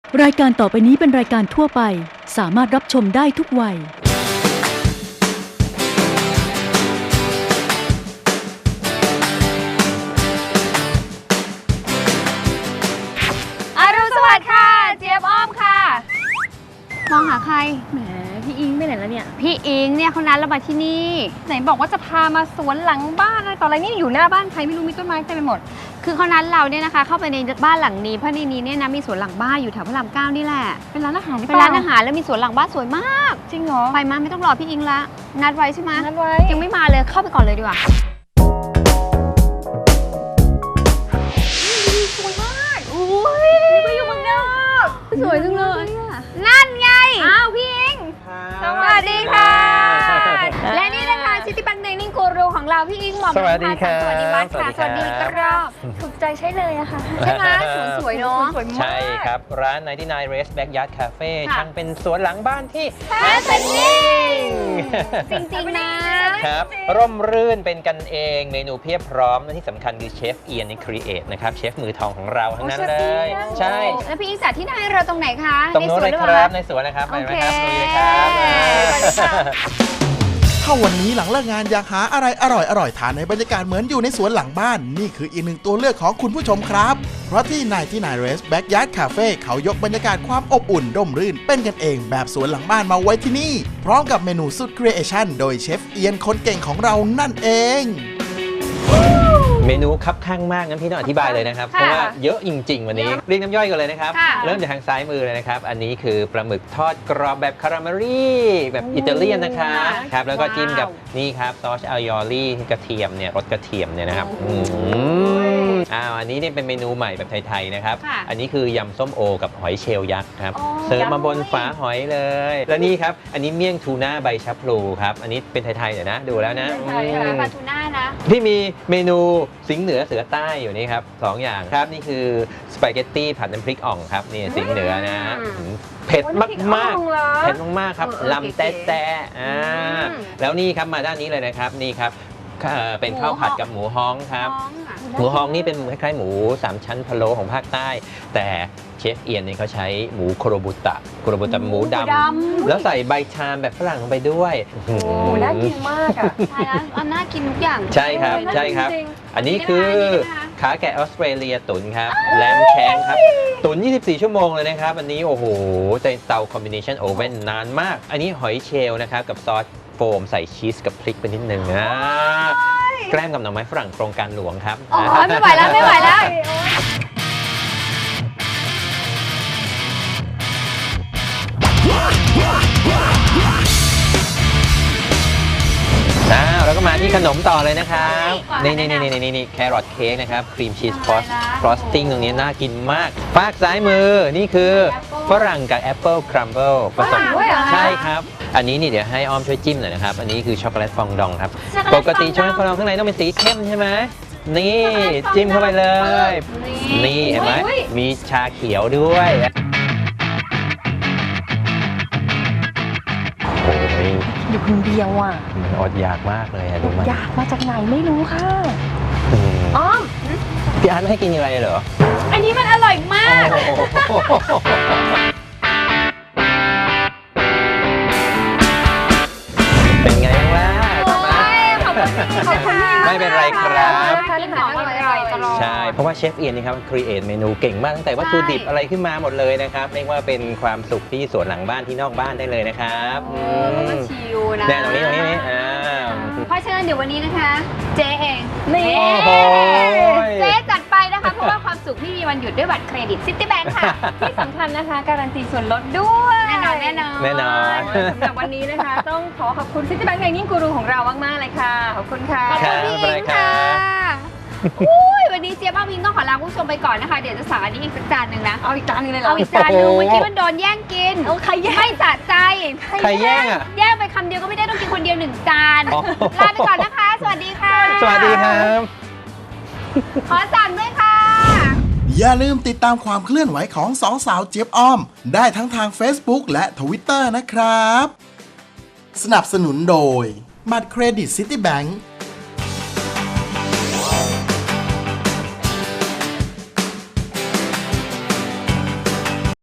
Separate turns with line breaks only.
รายการต่อไปนี้เป็นรายการทั่วไปสามารถรับชมได้ทุกวัย
อรุณสวัสดิ์ค่ะเจี๊ยบอ้อมค่ะมองหาใคร
แหมพี่อิงไปไหนแล้วเนี่ย
พี่อิงเนี่ยเขานัดเรามาที่นี่ไหนบอกว่าจะพามาสวนหลังบ้านอะไรต่ออะไรนี่อยู่หน้าบ้านใครไม่รู้มีต้นไม้เต็มไปหมดคือเขานัดเราเนี่ยนะคะเข้าไปในบ้านหลังนี้เพราะในนี้เนี่ยนะมีสวนหลังบ้านอยู่แถวพระราม 9นี่แหละ
เป็นร้านอาหาร
เป็นร้านอาหารแล้วมีสวนหลังบ้านสวยมาก
จริงเหรอ
ไปมาไม่ต้องรอพี่อิงละนัดไว้ใช่ไหม
นัดไว้
ยังไม่มาเลยเข้าไปก่อนเลยดีกว่าสวยมากอุ้ยนี่ก็อยู่เมืองนอก
สวยจังเลย
นั่นไงอ้าวพี่อิงสวัสดีค่ะและนี่นะคะซิตี้แบงค์เดนิ่งกูรูของเราพี่อิงหม่อม
สวัสดีครับ
สวัสดีวัฒน์ค่ะสวัสดีครับ
ถูกใจใช่เลยอะค่ะ
ใช่ไหมสวยเนาะ
ใช่ครับร้าน 99 Race Backyard Cafe ช่างเป็นสวนหลังบ้านที่
แฮปปี้จริงๆ
นะครับร่มรื่นเป็นกันเองเมนูเพียบพร้อมและที่สำคัญคือเชฟเอียนนี่ครีเอทนะครับเชฟมือทองของเราทั้งนั้นเลยใช่
แล้วพี่อิงจัดที่ไหนเราตรงไหนคะ
ตรงโน้นเลยครับในสวนนะครับไปไหมครับดูเลยครับ
ถ้าวันนี้หลังเลิกงานอยากหาอะไรอร่อยทานในบรรยากาศเหมือนอยู่ในสวนหลังบ้านนี่คืออีกหนึ่งตัวเลือกของคุณผู้ชมครับเพราะที่99 Race Backyard Cafe เขายกบรรยากาศความอบอุ่นร่มรื่นเป็นกันเองแบบสวนหลังบ้านมาไว้ที่นี่พร้อมกับเมนูสุดครีเอชั่นโดยเชฟเอียนคนเก่งของเรานั่นเอง
เมนูคับข้างมากงั้นพี่ต้องอธิบายเลยนะครับเพราะว่าเยอะจริงๆวันนี้เรียกน้ำย่อยกันเลยนะครับเริ่มจากทางซ้ายมือเลยนะครับอันนี้คือปลาหมึกทอดกรอบแบบคาราเมลี่แบบอิตาเลียนนะครับแล้วก็จิ้มกับนี่ครับซอสอัลยอรี่กระเทียมเนี่ยรสกระเทียมเนี่ยนะครับอันนี้เนี่ยเป็นเมนูใหม่แบบไทยๆนะครับอันนี้คือยำส้มโอกับหอยเชลล์ยักษ์ครับเสิร์ฟมาบนฝาหอยเลยแล้วนี่ครับอันนี้เมี่ยงทูน่าใบชะพลูครับอันนี้เป็นไทยๆเดี๋ยวนะดูแล้วนะ
ปลาทูน่านะ
พี่มีเมนูสิงห์เหนือเสือใต้อยู่นี่ครับ2อย่างครับนี่คือสปาเกตตี้ผัดน้ำพริกอ่องครับนี่สิงห์เหนือนะเผ็ดมากๆเผ็ดมากๆครับลำแต๊ะแล้วนี่ครับมาด้านนี้เลยนะครับนี่ครับเป็นข้าวผัดกับหมูฮ้องครับหมูฮ้องนี่เป็นคล้ายๆหมู3ชั้นพะโล้ของภาคใต้แต่เชฟเอียนนี่เขาใช้หมูโคโรบุตะหมูดำแล้วใส่ใบชามแบบฝรั่งลงไปด้วย
โอ้น่ากินมากอ่ะ
ใช่แล้วน่ากินทุกอย่าง
ใช่ครับใช่ครับอันนี้คือขาแกะออสเตรเลียตุ๋นครับแลมแชงครับตุ๋น24 ชั่วโมงเลยนะครับอันนี้โอ้โหในเตาคอมบิเนชันโอเว่นนานมากอันนี้หอยเชลล์นะครับกับซอสโฟมใส่ชีสกับพริกไปนิดนึงแกล้มกับหน่อไม้ฝรั่งโครงการหลวงครับ
ไม่ไหวแล้วไม่ไหวแล้ว
แล้วก็มาที่ขนมต่อเลยนะครับนี่แครอทเค้กนะครับครีมชีสฟรอสติ้งตรงนี้น่ากินมากฝากซ้ายมือนี่คือฝรั่งกับแอปเปิลครัมเบิลผสมใช่ครับอันนี้นี่เดี๋ยวให้อ้อมช่วยจิ้มหน่อยนะครับอันนี้คือช็อกโกแลตฟองดองครับปกติช็อกโกแลตฟองดองข้างในต้องเป็นสีเข้มใช่ไหมนี่จิ้มเข้าไปเลยนี่เห็นไหมมีชาเขียวด้วย
อยู่คนเดียวอ่ะ
อดอยากมากเลยอะดูมัน
อยากมาจากไหนไม่รู้ค่ะอ้อม
พี่อาร์ตไม่ให้กินอะไรเหรอ
อันนี้มันอร่อยมาก
เป็นไงบ้างล่ะ
ขอบคุณ
ไม่เป็นไรครับ
ใ
ช่เพราะว่าเชฟเอียนนี่ครับครีเอทเมนูเก่งมากตั้งแต่วัตถุดิบอะไรขึ้นมาหมดเลยนะครับเรียกว่าเป็นความสุขที่สวนหลังบ้านที่นอกบ้านได้เลยนะครับ
ชิวนะ
ตรงนี้
เพราะฉะนั้นเดี๋ยววันนี้นะคะเจ๊เอง
นี่
เจ๊จัดไปนะคะเพราะว่าความสุขที่มีวันหยุดด้วยบัตรเครดิตซิตี้แบงค์ค่ะ
ที่สำคัญนะคะการันตีส่วนลดด้วย
แน่นอน
สำหรับวันนี้นะคะต้องขอบคุณซิตี้แบงค์ในนิ่งกูรูของเรามากๆเลยค่ะขอบคุณค่ะ
ขอบคุณพี่อิงค่ะวันนี้เจี๊ยบพิงต้องขอลาผู้ชมไปก่อนนะคะเดี๋ยวจะสั่งอันนี้อีกสักจานหนึ่งนะ
เอาอีกจานนึงเลยเหรอ
เอาอีกจานนึงเมื่อกี้มันโดนแย่งกิน
ใครแย่ง
ไม่สะใจ
ใครแย่งอ่ะ
แย่งไปคำเดียวก็ไม่ได้ต้องกินคนเดียว1 จานลาไปก่อนนะคะสวัสดีค่ะ
สวัสดีครับ
ขอสั่งด้วยค่ะ
อย่าลืมติดตามความเคลื่อนไหวของสองสาวเจี๊ยบอ้อมได้ทั้งทาง Facebook และ Twitter นะครับสนับสนุนโดยบัตรเครดิตซิตี้แบงค์